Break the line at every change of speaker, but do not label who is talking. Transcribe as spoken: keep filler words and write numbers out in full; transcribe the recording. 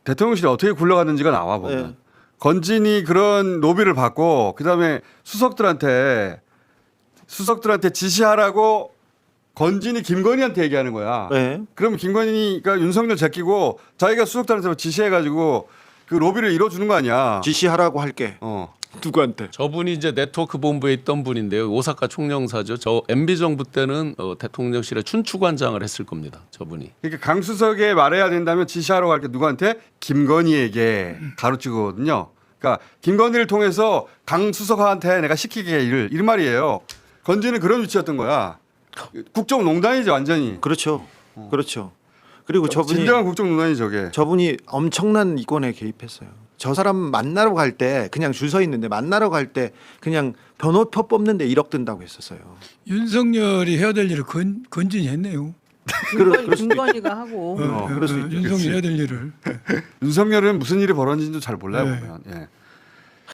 대통령실이 어떻게 굴러갔는지가 나와 보면
네.
건진이 그런 로비를 받고 그다음에 수석들한테 수석들한테 지시하라고 건진이 김건희한테 얘기하는 거야.
네.
그럼 김건희가 윤석열 제끼고 자기가 수석들한테 지시해가지고 그 로비를 이뤄주는 거 아니야.
지시하라고 할게.
어.
누구한테?
저분이 이제 네트워크 본부에 있던 분인데요. 오사카 총영사죠. 저 엠비 정부 때는 어, 대통령실의 춘추관장을 했을 겁니다. 저분이.
그러니까 강수석에 말해야 된다면 지시하러 갈게 누구한테? 김건희에게 가르치거든요. 그러니까 김건희를 통해서 강수석한테 내가 시키게 일 이런 말이에요. 건진은 그런 위치였던 거야. 국정농단이죠 완전히.
그렇죠. 그렇죠. 그리고 저분이
진정한 국정농단이 저게.
저분이 엄청난 이권에 개입했어요. 저 사람 만나러 갈 때 그냥 줄 서 있는데 만나러 갈 때 그냥 변호표 뽑는데 일억 든다고 했었어요.
윤석열이 해야 될 일을 건, 건진이 했네요.
그럴 수도
김건희가 하고
어, 어,
그럴 수 있죠.
윤석열이 해야 될 일을.
윤석열은 무슨 일이 벌어진지도 잘 몰라요
네.
보면. 예.